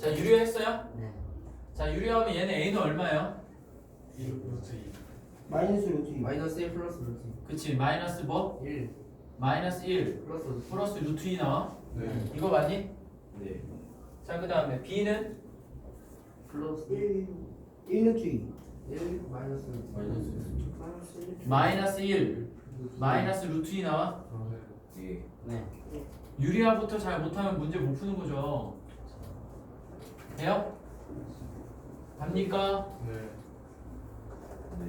자, 유리화했어요? 네. 자, 유리화하면 얘는 A는 얼마예요? 마이너스 루트 2. 마이너스 1 플러스 루트 그치, 마이너스 뭐? 1 마이너스 1 플러스 루트 플러스 루트 2 나와? 네. 이거 맞니? 네. 자, 그 다음에 B는 플러스 1 루트 2. 1 마이너스 마이너스. 마이너스 1 마이너스 루트 2 나와? 예. 네. 유리화부터 잘 못하면 문제 못 푸는 거죠. 돼요? 답니까? 네. 네.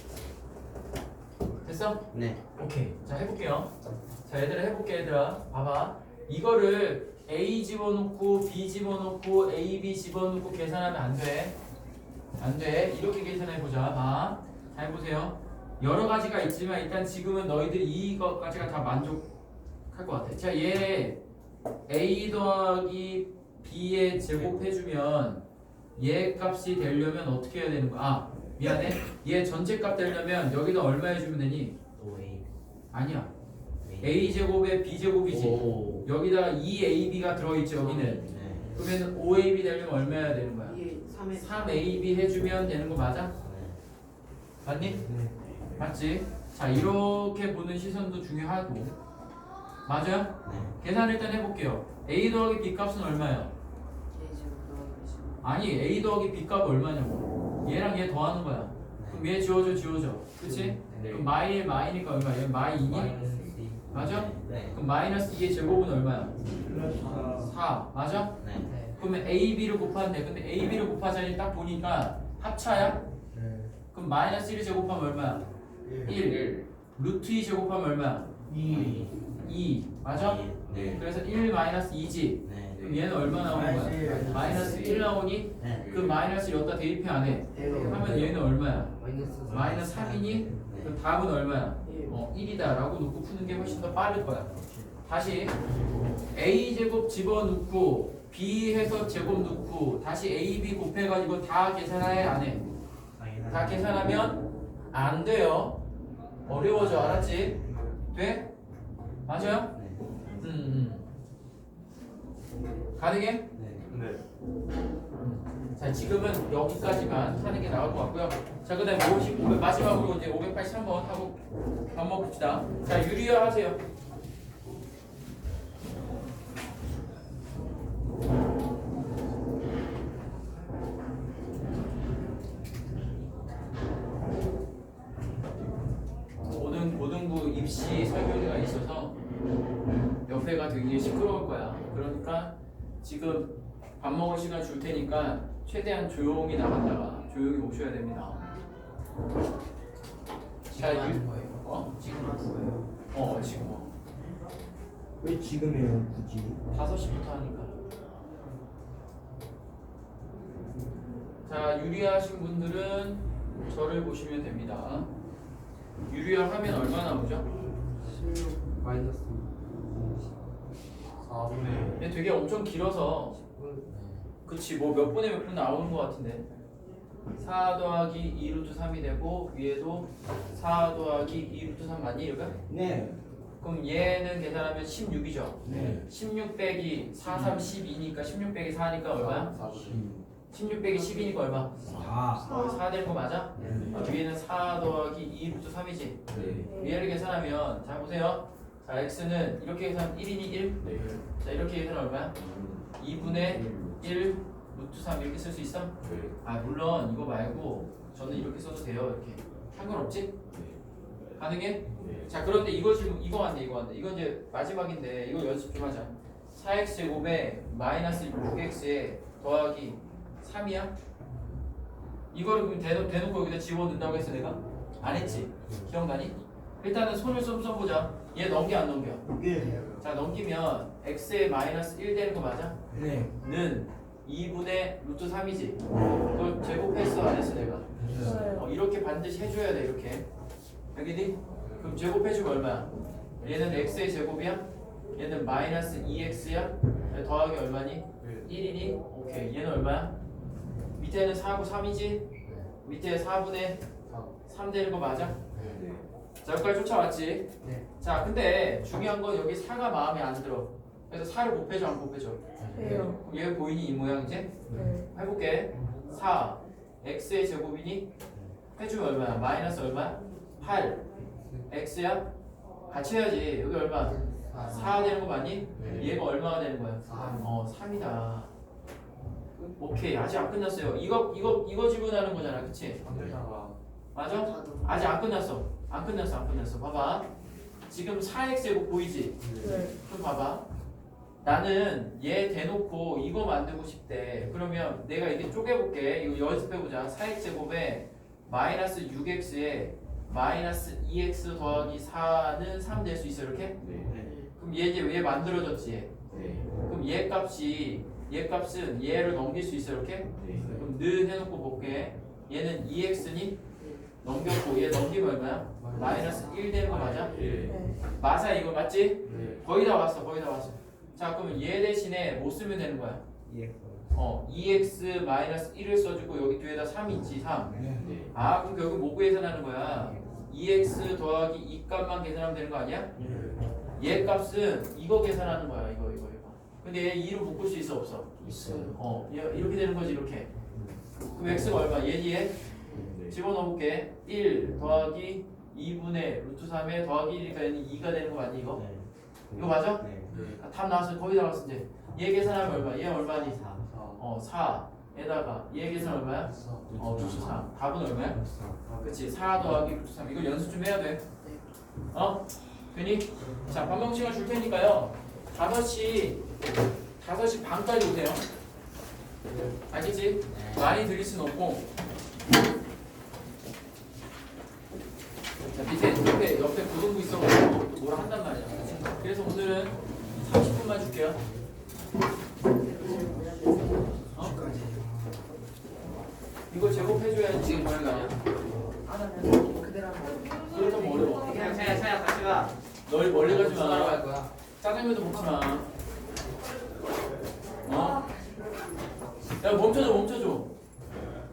됐어? 네. 오케이. 자, 해볼게요. 자, 얘들아 해볼게. 얘들아 봐봐. 이거를 A 집어넣고 B 집어넣고 A, B 집어넣고 계산하면 안 돼. 안 돼. 이렇게 계산해보자. 봐. 잘 보세요. 여러 가지가 있지만 일단 지금은 너희들이 이것까지가 다 만족할 것 같아. 자, 얘 A 더하기 B에 제곱해주면 얘 값이 되려면 어떻게 해야 되는 거야? 아, 미안해. 얘 전체 값 되려면 여기다 얼마 해주면 되니? 5A 아니야. A 제곱에 B 제곱이지. 오. 여기다가 2AB가 들어있지 여기는. 네. 그러면 5AB 되려면 얼마 해야 되는 거야? 3에 3AB 해주면 되는 거 맞아? 네. 맞니? 맞지? 자, 이렇게 보는 시선도 중요하고. 맞아요? 네. 계산 일단 해볼게요. A 더하기 B 값은 얼마야? 아니, A 더하기 B 값 얼마냐고. 얘랑 얘 더하는 거야. 그럼 얘 지워져. 그치? 네. 그럼 마이 마이니까 얼마야? 얘 마이 2니? 마이너스 2 맞아? 네. 그럼 마이너스 2의 제곱은 얼마야? 플러스 4. 맞아? 네. 그러면 AB를 곱하는데 근데 AB를 곱하자니 딱 보니까 합차야? 그럼 마이너스 1을 제곱하면 얼마야? 1. 루트 2 제곱하면 얼마야? 2. 맞아? 네. 그래서 1 마이너스 2지. 네. 그럼 얘는 얼마 나오는 거야? 마이너스 1 나오니? 네. 그 마이너스를 여기다 대입해 안 해? 하면 얘는 얼마야? 마이너스 마이너스 3이니? 그럼 답은 얼마야? 1이다 라고 놓고 푸는 게 훨씬 더 빠를 거야. 다시 A 제곱 집어넣고 B 해서 제곱 넣고 다시 A, B 곱해가지고 다 계산해 안 해? 다 계산하면 안 돼요. 어려워져. 알았지? 돼? 맞아요? 네. 가능해? 네. 네. 자, 지금은 여기까지만 하는 게 나을 것 같고요. 자, 그 다음에 55, 마지막으로 이제 583번 하고 밥 먹읍시다. 자, 유리화 하세요. 고등부 입시 설명회가 있어서 옆에가 되게 시끄러울 거야. 그러니까 지금 밥 먹을 시간 줄 테니까 최대한 조용히 나갔다가 조용히 오셔야 됩니다. 자, 지금 하는 거예요? 어? 지금 하는 거예요? 지금 왜 지금이에요 굳이? 5시부터 하니까. 자, 유리하신 분들은 저를 보시면 됩니다. 유리화 하면 얼마 나오죠? 16 마이너스 4분의 근데 되게 엄청 길어서 그치 뭐 몇 분에 몇 분 나오는 것 같은데 4 더하기 2 루트 3이 되고 위에도 4 더하기 2 루트 3 맞니 이거? 네. 그럼 얘는 계산하면 16이죠? 네. 16 빼기 4, 3, 12니까 16 빼기 4니까 얼마야? 16 빼기 10이니까 얼마? 4 될 거 맞아? 아, 위에는 4 더하기 2 루트 3이지? 네. 위에를 계산하면 잘 보세요. 자, x는 이렇게 계산하면 1이니 1? 네. 자, 이렇게 계산하면 얼마야? 2분의 1 루트 3 이렇게 쓸 수 있어? 네. 아, 물론 이거 말고 저는 이렇게 써도 돼요. 이렇게 상관없지? 가능해? 네. 자, 그런데 이거 지금 이거 왔네. 이건 이제 마지막인데 이거 연습 좀 하자. 4x 제곱에 마이너스 6x에 더하기 3이야? 이거를 그럼 대놓고 여기다 집어넣는다고 했어 내가? 안 했지? 기억나니? 일단은 손을 좀 써보자. 얘 넘겨 안 넘겨? 네. 자, 넘기면 x에 마이너스 1 되는 거 맞아? 네. 는 2분의 루트 3이지? 그걸 제곱했어 안 했어 내가? 이렇게 반드시 해줘야 돼 이렇게. 알겠니? 그럼 제곱해주면 얼마야? 얘는 x의 제곱이야? 얘는 마이너스 2x야? 더하기 얼마니? 1이니? 오케이. 얘는 얼마야? 밑에는 4하고 3이지? 밑에 4분의 3 되는 거 맞아? 네. 자, 여기까지 쫓아왔지? 네. 자, 근데 중요한 건 여기 4가 마음에 안 들어. 그래서 4를 곱해줘 안 곱해줘? 해요. 그럼 얘 보이니 이 모양 이제? 네. 해볼게. 4 x의 제곱이니 해주면 얼마야? 마이너스 얼마야? 8 x야? 같이 해야지. 여기 얼마? 4 되는 거 맞니? 네. 얘가 얼마가 되는 거야? 3이다. 오케이. 아직 안 끝났어요. 이거 지분하는 거잖아. 그치? 맞아? 아직 안 끝났어. 안 끝났어. 봐봐. 지금 4x 제곱 보이지? 네. 그럼 봐봐. 나는 얘 대놓고 이거 만들고 싶대. 그러면 내가 이게 쪼개볼게. 이거 연습해보자. 4x 제곱에 마이너스 6x에 마이너스 2x 더하기 4는 3 될 수 있어 이렇게? 네. 그럼 얘 이제 왜 만들어졌지? 얘? 네. 그럼 얘 값은 얘를 넘길 수 있어 이렇게? 네. 그럼 는 해놓고 볼게. 얘는 2x니? 넘겼고 얘 넘기면 얼마야? 마이너스 1 되는 거 맞아? 예. 네. 맞아 이거 맞지? 네. 거의 다 왔어. 자 그러면 얘 대신에 뭐 쓰면 되는 거야? EX 2x 마이너스 1을 써주고 여기 뒤에다 3 있지 3. 네. 아 그럼 결국 뭐 계산하는 거야? 2x 더하기 이 값만 계산하면 되는 거 아니야? 얘 값은 이거 계산하는 거야 이거. 근데 얘 2로 묶을 수 있어 없어? 있어요. 얘 이렇게 되는 거지 이렇게. 그럼 x가 얼마? 얘 뒤에 네. 집어넣어볼게. 1 더하기 2분의 루트 3에 더하기 1이니까 얘는 2가 되는 거 맞니 이거? 이거 맞아? 네. 아, 답 나왔어. 거의 다 나왔어 이제. 얘 계산하면 얼마? 얘 얼마니? 4. 4에다가 얘 계산 얼마야? 루트 3. 답은 얼마야? 그치. 4 더하기 루트 3. 이거 연습 좀 해야 돼. 괜히? 자, 반복 시간 줄 테니까요. 5시 반까지 오세요. 알겠지? 많이 드릴 순 없고. 자, 옆에 고등부 있어가지고 또 뭐라 한단 말이야. 그래서 오늘은 30분만 줄게요. 이거 제곱해줘야지 지금 보는 거 아니야? 안 하면 그대로 하면. 그렇다면 어려워. 그냥 차야 같이 가. 널 멀리 가지 수학하러 마. 갈 거야. 짜장면도 먹지 마. 야 멈춰줘.